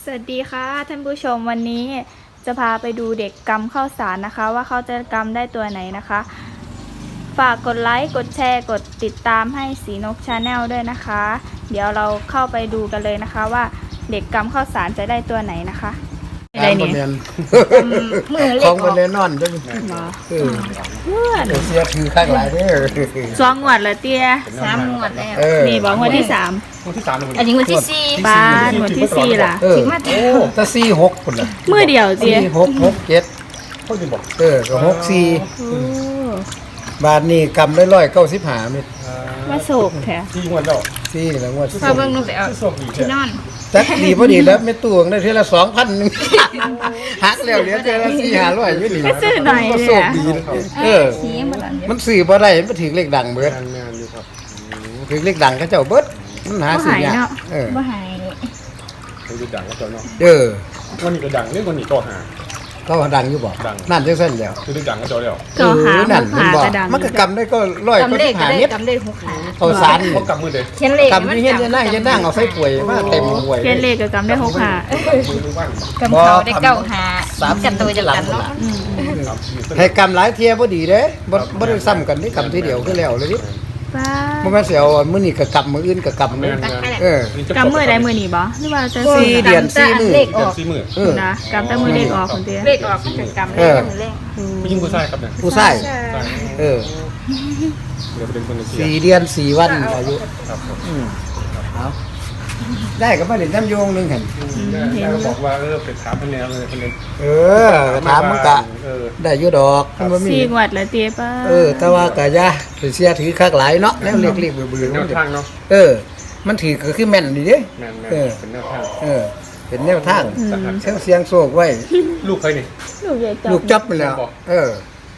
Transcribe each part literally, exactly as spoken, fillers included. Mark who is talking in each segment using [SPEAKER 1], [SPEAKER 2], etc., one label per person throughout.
[SPEAKER 1] วัสดีค่ะท่านผู้ชมวันนี้จะพาไปดูเด็กกำข้าวสารนะคะว่าเขาจะกำได้ตัวไหนนะคะฝากกดไลค์กดแชร์กดติดตามให้สีนกชาแนลด้วยนะคะเดี๋ยวเราเข้าไปดูกันเลยนะคะว่าเด็กกำข้าวสารจะได้ตัวไหนนะคะอะไรเนี่ยมือเล็ก
[SPEAKER 2] ของมันแน่นอนจังเออ
[SPEAKER 1] เพื่อน
[SPEAKER 2] เสียคือข้างหลายเด้อ
[SPEAKER 1] สองงวดละเตี้ย
[SPEAKER 3] สามงวดแล้ว
[SPEAKER 1] นี่บอกงวดที่สาม
[SPEAKER 3] งวดที่สามอันนี้งวดที่สี่
[SPEAKER 1] ปาดงวดที่สี่ล่ะ
[SPEAKER 2] ถึงมาโอ้แต่สี่หกคนละ
[SPEAKER 1] มือเดียวเตี้ย
[SPEAKER 2] สี่หกหกเจ็ดเขาจะบอกเออก็หกสี่บาทนี่กำได้ร้อยเก้าสิบห้าเม็ด
[SPEAKER 1] มาโศกแท้
[SPEAKER 3] สี่งวดแล้ว
[SPEAKER 2] สี่แล้วงวด
[SPEAKER 3] พอเบิ่งลงไปเอาที่นอน
[SPEAKER 2] จักดีพอดีแล้วไม่ตวงได้ทีละสองพันหนึ่งหักแล้วเหลือทีละสี่ห้าร้อยอยู่นี่
[SPEAKER 1] ก็ซื้อหน่อยเลยอ่ะ
[SPEAKER 2] เออมันสื่อบ่ได้มันถือเลขดังเบิดถือเลขดังเขาเจ้าเบิดมันหาสื่อยากเออ
[SPEAKER 1] บ่หาย
[SPEAKER 3] ถือเลขดังเขาเจ้าเนาะ
[SPEAKER 2] เออ
[SPEAKER 3] วันนี้ก็ดังนี่วันนี้ก็หา
[SPEAKER 2] ก็ดังอยู่บ่นั่นจังซั่นแล้ว
[SPEAKER 3] ถือเลขดังเขาเจ้าแล้ว
[SPEAKER 1] ก็หา
[SPEAKER 2] นั่นมันบ่มันก็กำได้ก็ร้อยก็สิบห้าเม็ด
[SPEAKER 1] กำได้หกขา
[SPEAKER 2] เอาสาร
[SPEAKER 3] เขากำมือเด้
[SPEAKER 1] เขียนเลข
[SPEAKER 2] กำนี่เฮ็ดจะนั่งจะนั่งเอาใส่ป่วยมาเต็มป่วย
[SPEAKER 1] เขียนเลขก็กำได้หกขาก
[SPEAKER 3] ำ
[SPEAKER 1] เขาได้เก้าหากันตัวจะกันเนาะ
[SPEAKER 2] ให้กำหลายเที่ยบ่ดีเด้บ่บ่ได้ซ้ำกันนี่กำทีเดียวคือแล้วเลยดิ
[SPEAKER 1] ป้า
[SPEAKER 2] บ่แม่นสิเอามื้อนี้ก็กำมื้ออื่นก็กำเลยเออก
[SPEAKER 1] ำมื้อใดมื้อนี้บ่หรือว่าจะ
[SPEAKER 2] สี่เดือนสี่มื้อ
[SPEAKER 3] เลขออกสี่มื้อ
[SPEAKER 2] เออ
[SPEAKER 1] นะกำแต่มื้อเลขออกคนเดียว
[SPEAKER 3] เลขออกก็กำเลขเลขผู้หญิงผู้ชายครับเนี่ย
[SPEAKER 2] ผู้ชายเออ
[SPEAKER 3] เดี๋ยวเป็นคนเชียร์
[SPEAKER 2] สี่เดือนสี่วันอายุ
[SPEAKER 3] ครับผม
[SPEAKER 2] อืมเอาได้ก็มาเล่นน้ำโยงนึงหั่น
[SPEAKER 3] แล้วก็บอกว่าเออไปถามเพิ่นแนวเลยเพิ่น
[SPEAKER 2] เออถามมันก็ได้อยู่ดอกมันบ่มี
[SPEAKER 1] สี่งวดละเตี้ยป้า
[SPEAKER 2] เออแต่ว่าก็อย่าไปเสียถือคักหลายเนาะแล้วเรียกๆเบื่อๆ
[SPEAKER 3] แนวทางเนาะ
[SPEAKER 2] เออมันถือก็คือแม่นนี่เด้
[SPEAKER 3] แม่นๆเป็นแนวทาง
[SPEAKER 2] เออเป็นแนวทางเสียงเสียงโศกไว้
[SPEAKER 3] ลูกใครนี่
[SPEAKER 1] ลูกใหญ่จับ
[SPEAKER 2] ลูกจับไปแล้วเออ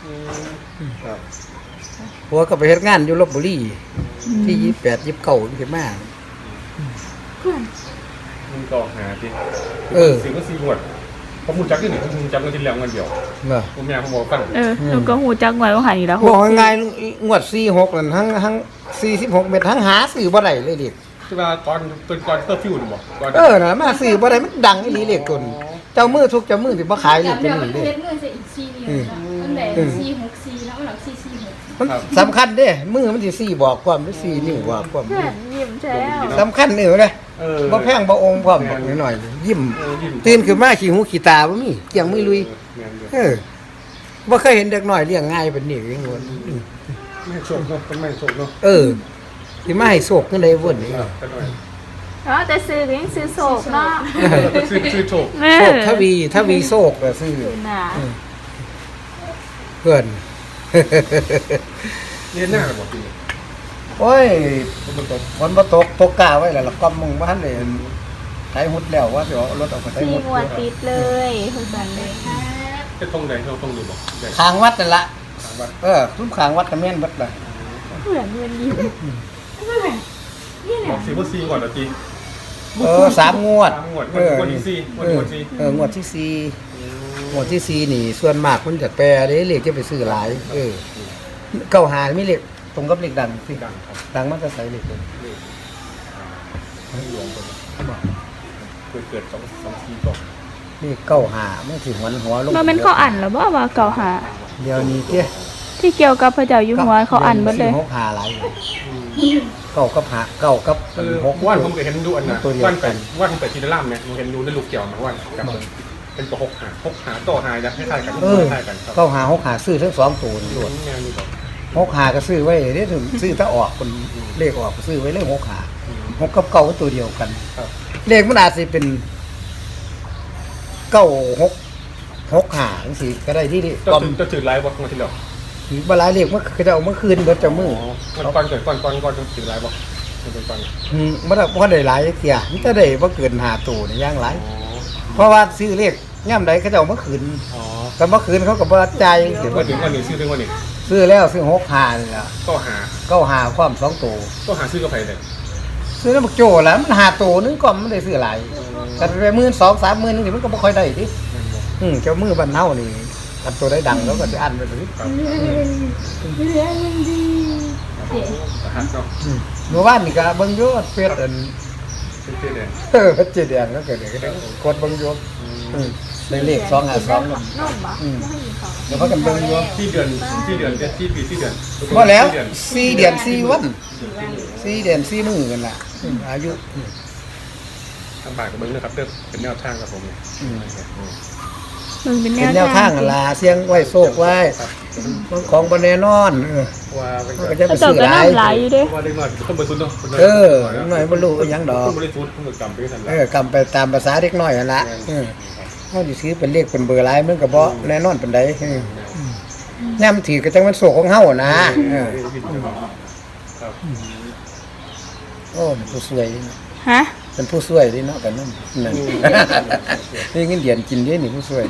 [SPEAKER 2] หัวก็ไปเฮ็ดงานอยู่ลพบุรีที่ยี่สิบแปด ยี่สิบเก้าขึ้นมา
[SPEAKER 3] มันก็หาดิ
[SPEAKER 2] เออ
[SPEAKER 3] สิก็สี่งวดผมฮู้จักอยู่นี่ผมจำกันทีแล้วงวดเดียว
[SPEAKER 2] เนาะ
[SPEAKER 3] ผมแม่ผมบอกฟัง
[SPEAKER 1] เออหนูก็ฮู้จักไว้ว่าหันนี่ล่ะ
[SPEAKER 2] บอกง่ายๆงวดสี่หกนั่นทั้งทั้งสี่สิบหกเม็ดทั้งหาซื้อบ่ได้เลยดิ
[SPEAKER 3] ที่ว่าตอนตอนก่อนเตอร์ฟิวนี่บ่ก่อน
[SPEAKER 2] เออน่ะมาซื้อบ่ได้มันดังอีหลีเลขคนเจ้ามือทุกเจ้ามือสิบ่ขายเลขเป็นนี่เด้อือมันได้สี่หกสี่แล้วหลักสี่สี่หกมันสำคัญเด้มือมันสิสี่บอกความหรือสี่นิ้วบอกความ
[SPEAKER 1] ยิ้มแท้
[SPEAKER 2] สำคัญนี่เด้
[SPEAKER 3] เออ
[SPEAKER 2] บ่แพงบ่องค์พร้อมหน่อยๆยิ้มตื่นขึ้นมาขี้หูขี้ตาบ่มีเกี่ยงมือลุยเออบ่เคยเห็นเด็กน้อยเลี้ยงง่ายเป็นนี่เองวน
[SPEAKER 3] แม่โชคเนาะเป็นแม่โชคเนาะ
[SPEAKER 2] เออสิมาให้โชคจังได๋เว้นนี่
[SPEAKER 1] อ๋อแต่ซื้อก็ยังซื้อโศกเนาะ
[SPEAKER 3] ซื้อซื้อโชค
[SPEAKER 2] โชคทวีทวีโชคก็ซื้อ
[SPEAKER 1] น่ะ
[SPEAKER 2] เพิ่น
[SPEAKER 3] เรียนหน้าบ่จริง
[SPEAKER 2] โอ้ยฝนตกฝนบ่ตกตกกาไว้แล้วล่ะก็มึงบ่ทันได้ไถหุดแล้วว่าสิเอารถออกไปไถหุด
[SPEAKER 1] สี่งวดติดเลยทุกวันเลย
[SPEAKER 3] จะตรงใดเราต้องดูบ่
[SPEAKER 2] ทางวัดนั่นล่ะเออทุ่มข้างวัดก็แม่นเบิดล่ะ
[SPEAKER 1] เหมือนเงินอยู่
[SPEAKER 3] บอกสิบ่สี่งวดแล้วจริง
[SPEAKER 2] เออสามงวด
[SPEAKER 3] งวดงวดที่สี่งวดที่สี่
[SPEAKER 2] เอองวดที่สี่งวดที่สี่นี่ส่วนมากมันจะแปรเด้เลขจะไปซื้อหลายเออเก้าหามีเลขตรงกับเลขดังสิ
[SPEAKER 3] ดังครับ
[SPEAKER 2] ดังมันจะใส่เลขเลย
[SPEAKER 3] หลวงเกิดเกิดสองสองสี่ตก
[SPEAKER 2] นี่เก้าหามันสิหัวหัวลง
[SPEAKER 1] บ่แม่นเขาอ่านแล้วบ่ว่าเก้าหา
[SPEAKER 2] เดี๋ยวนี้เด้
[SPEAKER 1] ที่เกี่ยวกับพระเจ้าอยู่หัวเขาอ่านเบิดเลย
[SPEAKER 2] หกหาหลายเก้ากับหาเก้ากับหก
[SPEAKER 3] ว่านผมก็เห็นดูอันน่ะว่านไปว่านผมไปทีละล่ามเนี่ยผมเห็นดูในลูกเกี่ยวมาว่านกับเป็นตัวหกหาหกหาต่อหาจะคล้ายๆกันคล้ายๆกันครับ
[SPEAKER 2] เก้าหาหกหาซื้อทั้งสองตัวนี่ด้วยหกหาก็ซื้อไว้เด้ถึงซื้อถ้าออกคนเลขออกก็ซื้อไว้เลขหกหาหกกับเก้าก็ตัวเดียวกันเลขมันอาจสิเป็นเก้าหกหกหาจังซี่ก็ได้ที่นี่
[SPEAKER 3] ก็จะถือไลฟ์บ่มาทีแล้ว
[SPEAKER 2] ถือบ่หลายเลขมันคือจะเอาเมื่อคืนเบิดเจ้ามือ
[SPEAKER 3] ก่อนเกิดก่อนก่อนก่อนจะถือไลฟ์บ่เป็นก่อน
[SPEAKER 2] อืมบ่ได้บ่ได้หลายเที่ยมีแต่ได้บ่เกินห้าตัวนี่อย่างหลายเพราะว่าซื้อเลขย่ำใดเขาจะเอาเมื่อคืนอ๋อแต่เมื่อคืนเขาก็บ่จ่าย
[SPEAKER 3] เดี๋ยวถึงวันนี้ซื้อถึงวันนี้
[SPEAKER 2] ซื้อแล้วซื้อหกหานี่ล่ะ
[SPEAKER 3] ก็หา
[SPEAKER 2] ก็หาความสองตัว
[SPEAKER 3] ก็หาซื้อกับไผได้
[SPEAKER 2] ซื้อแล้วบักโจแล้วมันหาตัวนึงก็มันได้ซื้อหลายแต่ไปหมื่นสองสามหมื่นนึงมันก็บ่ค่อยได้ดิอืมเจ้ามือบ้านเฮานี่กันตัวได้ดังแล้วก็สิอันไปเลยเมื่อวานนี่ก็เบิ่งอยู่เฟซอัน
[SPEAKER 3] เป็นเจ๊แดง
[SPEAKER 2] เออเจ็ดแดงก็เกิดเด็กกดเบิ่งอยู่อืมได้เลขสองห้าสองอืมเดี๋ยวพากันเบิ่งอยู่
[SPEAKER 3] ที่เดือนที่เดือนที่ปีที่เดือน
[SPEAKER 2] บ่แล้วสี่เดือนสี่วันสี่เดือนสี่มื้อกันล่ะอืมอายุ
[SPEAKER 3] ทางบ่ายกับเบิ้งนะครับเด้อเป็นแนวทางครับผม
[SPEAKER 2] อืม
[SPEAKER 1] มันเป็น
[SPEAKER 2] เป็นแน
[SPEAKER 1] แน
[SPEAKER 2] ว
[SPEAKER 1] ว
[SPEAKER 2] ทา
[SPEAKER 1] ทาง ง
[SPEAKER 2] หั่นล่ะเสียงไว้โชคไว้ของบ่แน่นอนเออ
[SPEAKER 3] ว่าเป็น
[SPEAKER 2] มันก็จะไป
[SPEAKER 1] เขาเจ้า
[SPEAKER 2] ซื้อ
[SPEAKER 1] ก็
[SPEAKER 2] หลาย
[SPEAKER 1] น้ำไหลอยู่เด้
[SPEAKER 3] ว่าเล็กน้อยต้องบริสุทธิ์เนาะ
[SPEAKER 2] เออหน่อยบ่รู้อิหยังดอก
[SPEAKER 3] ต้องบริสุทธิ์ต้องกรรมไปกัน
[SPEAKER 2] เออกำไปตามภาษาเด็กน้อยนั่นล่ะเออเฮาสิซื้อเป็นเลขเป็นเบอร์หลายมันก็บ่แน่นอนปานใดเออแนมถือก็จังมันโศกของเฮานะเออ
[SPEAKER 3] ครับ
[SPEAKER 2] โอ้เป็นผู้ช่วยนี่
[SPEAKER 1] ฮะ
[SPEAKER 2] เป็นผู้ช่วยนี่เนาะกันนั่นนั่นนี่เงินเดือนกินเด้นี่ผู้ช่วย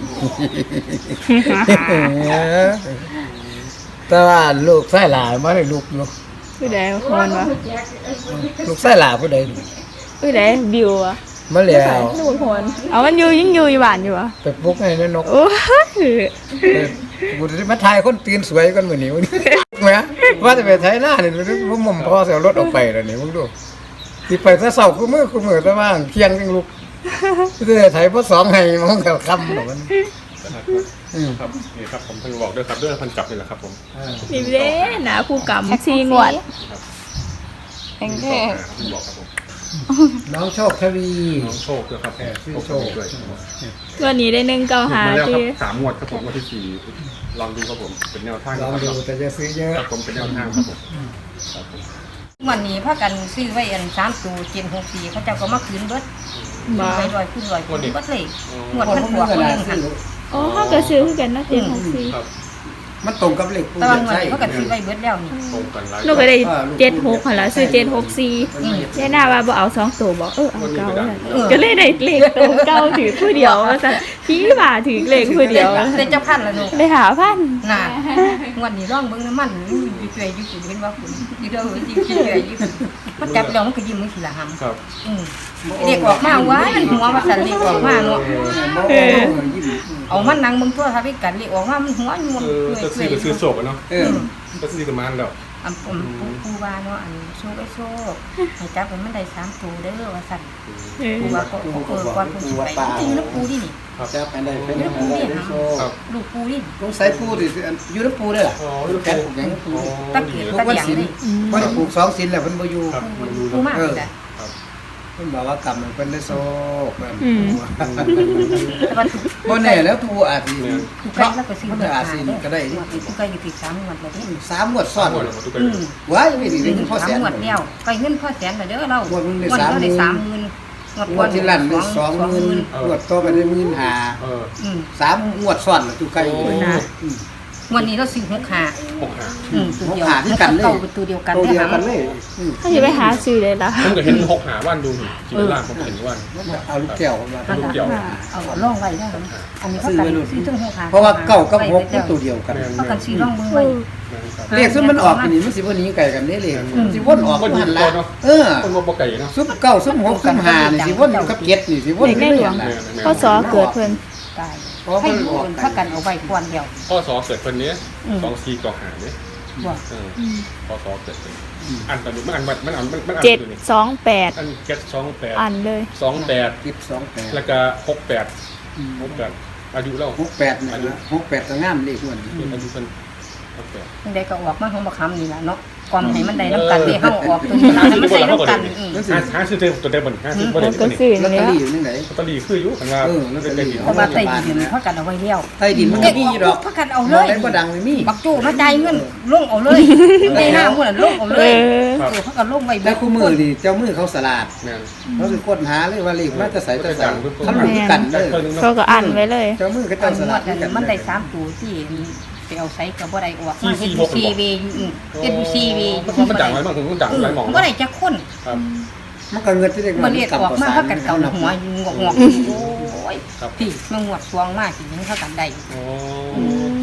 [SPEAKER 2] แต่ว่าลูกชายหลานบ่ได้ลูกอยู่
[SPEAKER 1] ผู้ใดคนวะ
[SPEAKER 2] ลูกชายหลานผู้ใด
[SPEAKER 1] ผู้ใดบิวอะ
[SPEAKER 2] มาแล้ว
[SPEAKER 1] ลูกคนเอามันอยู่ยังอยู่อยู่บ้านอยู่อะ
[SPEAKER 2] ไปปลุกให้แม่นก
[SPEAKER 1] โอ้ย
[SPEAKER 2] กูจะมาถ่ายคนตื่นสวยกันมื้อนี้แหมว่าจะไปไถนานี่ผมม่อมพอสิเอารถออกไปแล้วนี่มึงดูสิไปแต่เช้าคือมื้อคือมื้อแต่ว่าเที่ยงจังลุกสิได้ไถบ่สองให้มันก็ค่ำแล้วมันอืม
[SPEAKER 3] ครับนี่ครับผมเพิ่งบอกด้วยครับด้วยพันกลับนี่แหละครับผม
[SPEAKER 1] นี่เด้นะผู้กำซีงวด
[SPEAKER 3] แองเก้เพิ่งบอกครับผม
[SPEAKER 2] น้องโชคทวี
[SPEAKER 3] น้องโชคด้วยครับ
[SPEAKER 2] ชื่อโชค
[SPEAKER 3] ด้วย
[SPEAKER 1] วันนี้ได้หนึ่งเก้าหา
[SPEAKER 3] มาแล้วครั
[SPEAKER 1] ที่
[SPEAKER 3] บสามงวดครับผมงวดที่สี่ลองดูครับผมเป็นแนวทาง
[SPEAKER 2] ลองดูแต่จะซื้อเยอะ
[SPEAKER 3] ครับผมเป็นแนวทางครับผมครับผม
[SPEAKER 4] วันนี้พากันซื้อไว้อันสามตัวเจ็ดหกสี่เขาเจ้าก็มาคืนเบิด
[SPEAKER 1] มา
[SPEAKER 4] ไปลอยขึ้นลอยขึ้นเบิดเลยหมวด
[SPEAKER 2] คน
[SPEAKER 4] มัน
[SPEAKER 2] พ
[SPEAKER 4] หั
[SPEAKER 2] ว
[SPEAKER 4] ว
[SPEAKER 2] ก
[SPEAKER 4] คน
[SPEAKER 2] นี้
[SPEAKER 4] หนึ่ง
[SPEAKER 2] ซื้
[SPEAKER 4] หั
[SPEAKER 2] อน
[SPEAKER 1] อ๋อเขาก็ซื้อคือกันนะเจ็ดหกสี่
[SPEAKER 3] ครับ
[SPEAKER 2] มันตรงกับเลขผู้
[SPEAKER 4] แต่
[SPEAKER 2] ให
[SPEAKER 4] ว่า
[SPEAKER 2] ญ่
[SPEAKER 4] เงิน
[SPEAKER 2] ใช่
[SPEAKER 4] เขาก็ซื้อไว้เบิดแล้วนี่
[SPEAKER 3] ตรงกันไลฟ์
[SPEAKER 1] ลูกก็ได้เจ็ดหกหันละซื้อเจ็ดหกสี่ได้หน้าว่าบ่เอาสองตัวบอกเออเอาเก้าเลยก็เลยได้เลขตัวเก้าถือผู้เดียวว่าสั่นพี่บ่าถือเลขผู้เดียว
[SPEAKER 4] เป็นเจ้าพันละหนู
[SPEAKER 1] ได้หาพัน
[SPEAKER 4] น่ะวันนี้ร่องเบิ้งน้ำมันอยู่เฉยอยู่สิเห็นว่าคุณอยู่เด้อจริงๆเฉยอยู่มันจับแล้วมันก็ยิ้มมือสิละหำ
[SPEAKER 3] ครับ
[SPEAKER 4] อืมเด็กออกมาว้ายมันหัวว่าสันเด็กออกมาเนาะเอามันนั่งมึงทั่วทาวิกันเด็กออกมามันหัวอยู่มัน
[SPEAKER 3] เออ
[SPEAKER 4] เฉ
[SPEAKER 3] จะซื้อย ก็ซื้อโศกเนาะ
[SPEAKER 2] เออ
[SPEAKER 3] ก็ซื้อกันมาแล้ว
[SPEAKER 4] อันผมปูว่าเนาะอันโชคไอ้โชคให้จับมันได้สามตัวเด้อว่าสั่น
[SPEAKER 1] เออ
[SPEAKER 4] ปูว่าก็เออก่อนผมสิไปจริงๆแล้วปูดินี่
[SPEAKER 2] จะไปได้เป็น
[SPEAKER 4] อยู่
[SPEAKER 2] อะ
[SPEAKER 4] น้ำปู
[SPEAKER 2] ไร
[SPEAKER 4] ดิ
[SPEAKER 3] ครับ
[SPEAKER 4] ลูกปูดิ
[SPEAKER 2] ลงสายปูดิอยู่น้ำปูได้ล่ะ
[SPEAKER 3] อ๋อลูก
[SPEAKER 2] แก๊ส
[SPEAKER 3] ปู
[SPEAKER 2] ปลูกหยังปู
[SPEAKER 4] ตะเกียบ
[SPEAKER 2] ปลู
[SPEAKER 4] ตะ
[SPEAKER 2] กวัน
[SPEAKER 4] เกียง
[SPEAKER 2] ศิล
[SPEAKER 4] นี่
[SPEAKER 2] เพราะปลูกสองศิลแล้วเพิ่นบ่อยู่
[SPEAKER 3] ครับมาดู
[SPEAKER 4] ปูมากเลยจ้ะ
[SPEAKER 2] เพิ่นบอกว่ากรรมมันเพิ่นได้โชคเพิ่น
[SPEAKER 4] แต่ว่าถูก
[SPEAKER 2] บ่แน่แล้วทูอาจสิ
[SPEAKER 4] ถูกใกล้แล้วก็ซื้อ
[SPEAKER 2] มัน
[SPEAKER 4] เบิด
[SPEAKER 2] อาจ
[SPEAKER 4] หา
[SPEAKER 2] สิ
[SPEAKER 4] เด้อ
[SPEAKER 2] ก็ได้ดิ
[SPEAKER 4] ถูกใกล้อยู่ที่สามงวดแล้วเด้อ
[SPEAKER 2] สามงวดซ้อน
[SPEAKER 3] หมดแล้วทุกคน
[SPEAKER 4] อืม
[SPEAKER 2] ว้ายไม่ดีได้พอแส
[SPEAKER 4] สาม
[SPEAKER 2] น
[SPEAKER 4] งวดแล้วใกล้เงินพ่อแสนแล้วเด้อเรา
[SPEAKER 2] งวดนึงได้
[SPEAKER 4] งวด
[SPEAKER 2] สามหมื่น
[SPEAKER 4] ได้สามหมื่นงวด
[SPEAKER 2] ง
[SPEAKER 4] ก่
[SPEAKER 2] ว
[SPEAKER 4] อ
[SPEAKER 2] ด
[SPEAKER 4] น
[SPEAKER 2] ที่ลั่นได้สองหมื่นงวดต่อไปได้หมื่นห้า
[SPEAKER 3] เออ
[SPEAKER 4] อืม
[SPEAKER 2] สามงวดซ้อนแล้วทุกไกลเลย
[SPEAKER 1] นะ
[SPEAKER 2] อืม
[SPEAKER 4] งวดนี้เราซื้อหกหา
[SPEAKER 3] หกหา
[SPEAKER 4] อืมตัวเดียว
[SPEAKER 2] หกหาที่กันเลย
[SPEAKER 4] เก่าเป็นตัวเดียวกัน
[SPEAKER 2] ตัว
[SPEAKER 4] ได้
[SPEAKER 2] เดียว
[SPEAKER 4] หา
[SPEAKER 2] กันเลยอืม
[SPEAKER 1] เขาจะไปหาซื้อเลยล่ะ
[SPEAKER 3] ผมก็เห็นหกหาว่านดูจีนล่างผมเห็นว่าน
[SPEAKER 2] เอาลูกแก้วมา
[SPEAKER 3] ลูกเกี่ยว
[SPEAKER 4] เอาล่องไว้ได้ไหมอันนี้เขากันซื้อถึงหกหา
[SPEAKER 2] เพราะว่าเก้ากับหกเป็นตัวเดียวกัน
[SPEAKER 4] เขากันซื้อล่องมือไว้
[SPEAKER 2] เลขซึ่งมันออกอันนี้มันสิบ่หนี้ไกลกันเด้เลขมันสิวนออก
[SPEAKER 3] วนอยู่
[SPEAKER 2] หัน
[SPEAKER 3] ก่
[SPEAKER 2] ละ
[SPEAKER 3] อนเนาะ
[SPEAKER 2] เออ
[SPEAKER 3] คนบ่ไก่เนาะ
[SPEAKER 2] ซุปเก้าซุปหกซุปห้านี่สิวนอยู่กับเจ็ดนี่สิวนอยู่ในหันละ
[SPEAKER 1] เขาสอเกิดเพิ่น
[SPEAKER 4] ตายให้ดูคนเขากันเอาไว้ควรเดียว
[SPEAKER 3] ข้อสอเกิดคนนี้สองสี่ก่อหาเนี่ย
[SPEAKER 4] ว่า
[SPEAKER 3] เออข้อสอเกิดเป็นอันตอนนี้มันอันมันอันมันอัน
[SPEAKER 1] เจ็ดสองแปด
[SPEAKER 3] อันเจ็ดสองแปด
[SPEAKER 1] อันเลย
[SPEAKER 3] สองแปด
[SPEAKER 2] สิบสองแปด
[SPEAKER 3] แล้วก็หกแปดหกแปดอายุเรา
[SPEAKER 2] หกแปดนี่นะหกแปดก็งามเลขม่วน
[SPEAKER 3] อายุเป็นหกแปด
[SPEAKER 4] จังใดก็ออกมาของบักคำนี่แหละเนาะความให้มันได้น้ำกันที่เฮาออกตัวนี้แล้วให้มันใส่น้ำกันอืม
[SPEAKER 3] ห้าห้าซื้อเต็มตัวเต็มบนห้าซื้อบ่
[SPEAKER 1] มั
[SPEAKER 3] ได้
[SPEAKER 1] น
[SPEAKER 3] ตั
[SPEAKER 1] ก็
[SPEAKER 3] วนี้
[SPEAKER 1] ซื้อ
[SPEAKER 2] ลอตเตอ
[SPEAKER 1] แล้ว
[SPEAKER 2] รี่อยู่จังได๋
[SPEAKER 3] ลอตเตอรี่คืออยู่ข้างล่าง
[SPEAKER 4] เพราะว่าใต้ดินเขากันเอาไว้เลี้ยว
[SPEAKER 2] ใต้ดินมันก็มีอยู่ดอก
[SPEAKER 4] เขากันเอาเล
[SPEAKER 2] บ่
[SPEAKER 4] ย
[SPEAKER 2] ได้บ่ดังไม่มี
[SPEAKER 4] บักโจ้มาจ่ายเงินลงเอาเลยในหน้าหมู่น่ะลงเอาเล
[SPEAKER 1] เอย อ
[SPEAKER 4] เออเขากันลงไว้
[SPEAKER 2] แต่คู่มือนี่เจ้ามือเขาสลาด
[SPEAKER 3] แม่น
[SPEAKER 2] เขาสิค้นหาเลยว่าเลขมาจะใส่จะใส่เขารู้กันเลย
[SPEAKER 1] เขาก็อันไว้เลย
[SPEAKER 2] เจ้ามือก็
[SPEAKER 4] ตอ
[SPEAKER 2] เจ้าน ส
[SPEAKER 4] ง
[SPEAKER 2] ลาว ด
[SPEAKER 4] ดนั้นมันได้สามตัวที่ไปเอาใส่ก็บ่ได้ออกมาเฮ็ดอยู่ซีวีอยู่เฮ็ดอยู่ซีวีอยู่
[SPEAKER 3] มันดังไว้บ้างผมดังหลายหม่อง
[SPEAKER 4] บ่ได้จักคน
[SPEAKER 3] ครับ
[SPEAKER 2] มันก็เงินที่ได้
[SPEAKER 4] บ่เรียกออกมาเขากันเก่าหัวอยู่งอกงอกโอ้ย
[SPEAKER 3] ครับ
[SPEAKER 4] พี่มางวดสวงมากสิเขากันได้
[SPEAKER 3] อ๋อ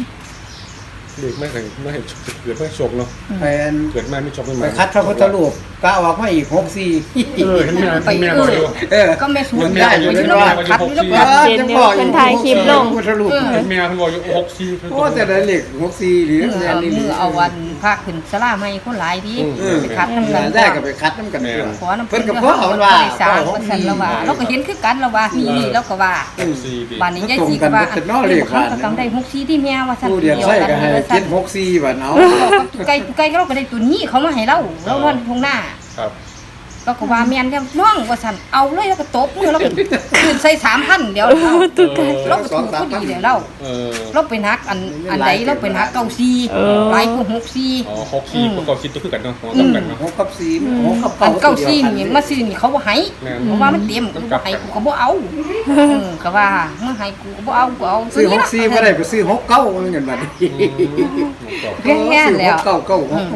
[SPEAKER 3] เด็กไม่เคยไม่เห็นเกิดไม่โชคเนาะ
[SPEAKER 2] ไปอัน
[SPEAKER 3] เกิดมาไม่โชคไม่
[SPEAKER 2] ไป
[SPEAKER 3] มา
[SPEAKER 2] คัดพระพุทธรูปกะออกมาอีกหกสี่
[SPEAKER 3] เออเห็นแม่แม่บอกอยู่
[SPEAKER 2] เออ
[SPEAKER 4] ก็แม่สู
[SPEAKER 2] มัน
[SPEAKER 4] ง
[SPEAKER 2] ได้อยู่
[SPEAKER 4] อยู่
[SPEAKER 2] ใน
[SPEAKER 4] แล้ว
[SPEAKER 2] ว่า
[SPEAKER 4] คัดอยู่แล้ว
[SPEAKER 2] เอ
[SPEAKER 4] คัด
[SPEAKER 2] อจะบอกอยู่
[SPEAKER 1] เพิ่นถ่ายคลิปลง
[SPEAKER 2] สรุป
[SPEAKER 3] เห็นแม่เพิ่นบอกอยู่หกสี่
[SPEAKER 2] โอ้แต่ได้เลขหกสี่หรือ
[SPEAKER 4] มือ
[SPEAKER 2] แม่
[SPEAKER 4] เอา
[SPEAKER 2] นี่
[SPEAKER 4] มือเอาวันพาขึ้นสลาให้คนหลายดี
[SPEAKER 2] เออ
[SPEAKER 4] ไปคัดน้ำกัน
[SPEAKER 2] ได้ก็ไปคัดน้ำกัน
[SPEAKER 4] ขอน้ำ
[SPEAKER 2] เพิ่นก็พ่อมันว่า
[SPEAKER 4] สามเปอร์เซ็นต์แล้วว่าเราก็เห็นคือกันแล้วว่านี่นี่แล้วก็ว่า
[SPEAKER 3] หกสี่ดี
[SPEAKER 4] บ้านนี้ยายสีก็ว่าอันนี้เขาก็ต้องได้หกสี่ที่แม่ว่าสั่น
[SPEAKER 2] ผู้เดียนใส่ก็ให้เจ็ดหกสี่บาทเอา
[SPEAKER 4] ไก่ไก่เราก็ได้ตัวนี้เขามาให้เราเรานอนทงหน้า
[SPEAKER 3] ครับ
[SPEAKER 4] เราก็ว่าแม่นจังน้องว่าสั่นเอาเลยแล้วก็ตบมือแล้วก็คืนใส่สามพันเดี๋ยวเราเราก็ถูกพอดีเดี๋ยวเรา
[SPEAKER 3] เออ
[SPEAKER 4] เราไปนักอันอันใดเราไปนักเก้าสี่หลายกว่าหกสี่
[SPEAKER 3] อ๋อหกสี่ประกอบคิดตัวคือกันเนาะหัวต้องกันเนาะ
[SPEAKER 2] หกกับสี่หกกับ
[SPEAKER 4] อั
[SPEAKER 2] เก้าน
[SPEAKER 4] เก้าสี่นี่มาซื้อนี่เขาบ่ให้
[SPEAKER 3] แม่น
[SPEAKER 4] เพราะว่ามันเต็มกูบ่ให้กูก็บ่เอาเออก็ว่ามึงให้กูก็บ่เอากูเอา
[SPEAKER 2] ซื้อหกสี่บ่ได้ไปซื้อหกเก้าเงินบาท
[SPEAKER 4] แย่ๆแล้ว
[SPEAKER 2] เก้าเก้าหก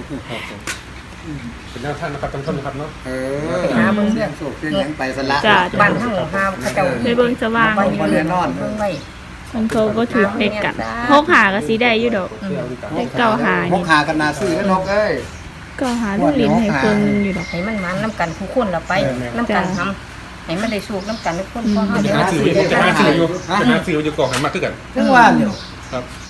[SPEAKER 3] เป็นแนวทางนะครับท่านผู้ชมนะครับเนาะ
[SPEAKER 2] เออหามึงเรื่องโศกเรื่องยังไปสละ
[SPEAKER 1] จ้ะ
[SPEAKER 4] บ้านเฮาหาเขาเจ้า
[SPEAKER 1] ไปเบิ่งสว่าง
[SPEAKER 4] บ้านอยู่เรือนนอนเบิ่งไว้
[SPEAKER 1] มันเขาก็ถือเด็กกันหกหาก็สีได้อยู่ดอกเลขเก้าหา
[SPEAKER 2] ห
[SPEAKER 1] นี่
[SPEAKER 2] กหากันนาซื้อกันนกเอ้ย
[SPEAKER 1] เก้าหาลูกลิ้นให้เพิ่นอยู่ดอก
[SPEAKER 4] ให้มันมันน้ำกันทุกคนละไปน้ำกันทำให้มันได้สูกน้ำกันทุกคนพอเฮา
[SPEAKER 3] จะ
[SPEAKER 4] เดี๋ยว
[SPEAKER 3] หา
[SPEAKER 4] หา
[SPEAKER 3] สื่
[SPEAKER 4] ซื้
[SPEAKER 3] อ
[SPEAKER 4] อ
[SPEAKER 3] จะหาสื่ออยู่จะหาสื่ออยู่ก่อนหันมาคือกัน
[SPEAKER 2] ถึงว่าเดี๋ยว
[SPEAKER 3] ครับ